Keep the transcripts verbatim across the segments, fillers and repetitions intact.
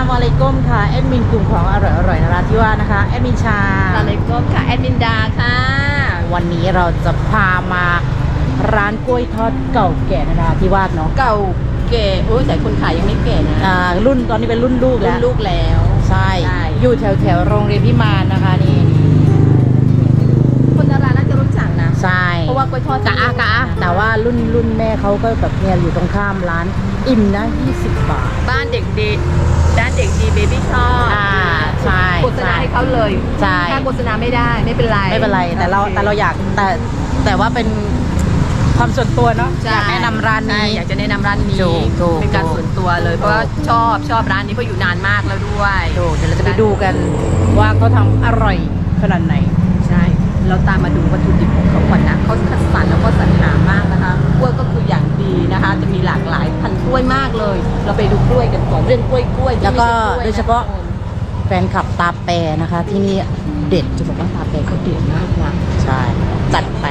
มุอะลัยกุมค่ะแอดมินกลุ่มของอร่อยอร่อยนราธิวาสนะคะแอดมินชาอะลัยกุมค่ะแอดมินดาค่ะวันนี้เราจะพามาร้านกล้วยทอดเก่าแก่นราธิวาสเนาะเก่าแก่โอ้ยแต่คนขายยังไม่แก่นะอ่ารุ่นตอนนี้เป็นรุ่นลูกรุ่แล้นวลูกแล้วใช่ใช่อยู่แถวแถวโรงเรียนพิมานนะคะนี่คนดาราน่าจะรู้จักนะใช่เพราะว่ากล้วยทอดกะอากะอาแต่ว่ารุ่นรุ่นแม่เขาก็แบบเนี่ยอยู่ตรงข้ามร้านอิ่มนะยี่สิบบาทบ้านเด็กดีด้านเด็กดีเบบี้ชอบอ่าใช่โฆษณาให้เขาเลยใช่ถ้าโฆษณาไม่ได้ไม่เป็นไรไม่เป็นไรแต่เราโอคแต่เราอยากแต่แต่ว่าเป็นความส่วนตัวเนาะใช่อยากแนะนำร้านใช่นี้อยากจะแนะนำร้านนี้ถูกถูกเป็นการถูกส่วนตัวเลยเพราะว่าชอบชอบร้านนี้เพราะอยู่นานมากแล้วด้วยดูเดี๋ยวเราจะไปดูกันว่าเขาทำอร่อยขนาดไหนใช่ เราตามมาดูวัตถุดิบของเขาก่อนนะเขาคัดสรรแล้วก็สรรหามากนะคะกล้วยก็คืออย่างดีนะคะ จะมีหลากหลายพันธุ์กล้วยมากเลย เราไปดูกล้วยกันก่อนเรื่องกล้วยกล้วยที่แล้วก็ไม่ใช่กล้วยนะโดยเฉพาะแฟนคลับตาแปรนะคะ ที่นี่เด็ดจะบอกว่าตาแปรเขาเด็ดมากนะใช่จัดไป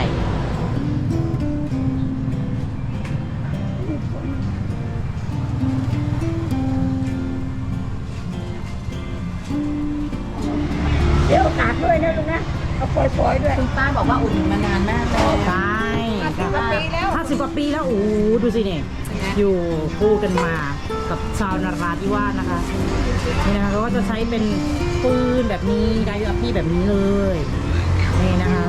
เดี๋ยวกาดด้วยนะลุงนะเอาปล่อยๆด้วยคุณป้าบอกว่าอุ่นมานานมากแล้วใช่ห้าสิบกว่าปีแล้วห้าสิบกว่าปีแล้วโอ้โหดูสิเนี่ยอยู่คู่กันมากับชาวนราธิวาสนะคะนี่นะคะเขาก็จะใช้เป็นปืนแบบนี้ไดอัพพี่แบบนี้เลยนี่นะคะ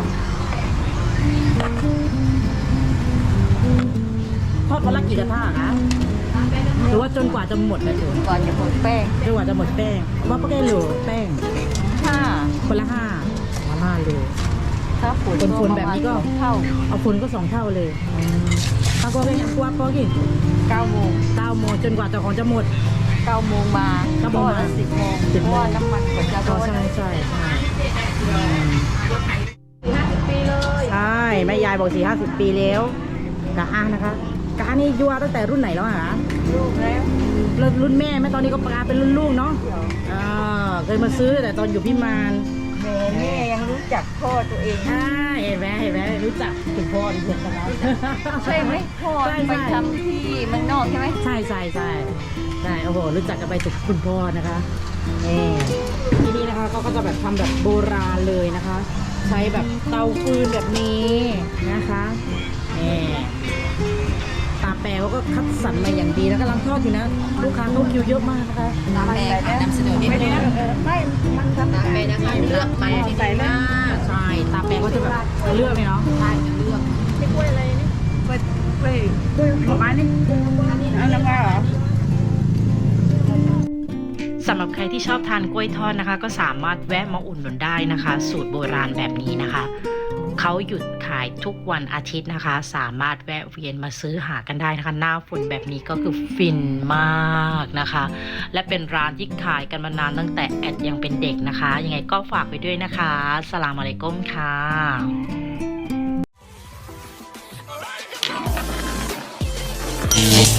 ทอดวันละกี่กระทะคะหรือว่าจนกว่าจะหมดนะคุณก่อนจะหมดแป้งจนกว่าจะหมดแป้งว่าป้าแกเหลือแป้งถ้าคนละห้าคนละห้าเลยถ้าฝนคนๆแบบนี้ก็เท่าเอาคนก็สองเท่าเลยถ้าก็เป็นกว่าก็กินเก้าโมงเก้าโมงจนกว่าจะของจะหมดเก้าโมงมาเก้าโมงมาสิบโมงสิบเพโมงราะว่าน้ำมันกว่าจะก็ร้อนใช่ใช่ใช่ห้าสิบปีเลยใช่แม่ยายบอกสี่ห้าสิบปีแล้วกะอ้างนะคะกะอ้างนี่ยัวตั้งแต่รุ่นไหนแล้วอะคะลูกแล้วรุ่นรุ่นแม่แม่ตอนนี้ก็ปลาเป็นรุ่นลูกเนาะอ่าเคยมาซื้อแต่ตอนอยู่พิมานแม่แม่ยังรู้จักพ่อตัวเองอ่าเห็นไหมเห็นไหมรู้จักคุณพ่อดิฉันนะครับใช่ไหมพ่อใช่ไปใช่ทำที่เมืองนอกใช่ไหมใช่ใช่ใช่ใช่โอ้โหรู้จักกันไปถึงคุณพ่อนะคะนี่ที่นี่นะคะเขาก็จะแบบทำแบบโบราณเลยนะคะ ใช้แบบเตาฟืนแบบนี้นะคะนี่ตาแปรเขาก็คัดสรรมาอย่างดีแล้วกำลังทอดอยู่นะลูกค้าเข้าคิวเยอะมากนะคะตามแม่ค่ะนำเสนอนิดนึงไม่มันทำตามแม่นะคะเลือกมันที่ดีมากใช่ตาแปรก็จะแบบเลือกเลยเนาะใช่จะเลือกนี่กล้วยอะไรนี่กล้วยกล้วยกล้วยผลไม้นี่อันนั้นว่าเหรอสำหรับใครที่ชอบทานกล้วยทอดนะคะ ก็สามารถแวะมาอุ่นหนุนได้นะคะ สูตรโบราณแบบนี้นะคะเขาหยุดขายทุกวันอาทิตย์นะคะ สามารถแวะเวียนมาซื้อหากันได้นะคะหน้าฝนแบบนี้ก็คือฟินมากนะคะ และเป็นร้านที่ขายกันมานานตั้งแต่แอดยังเป็นเด็กนะคะยังไงก็ฝากไปด้วยนะคะสลามอะลัยกุมค่ะ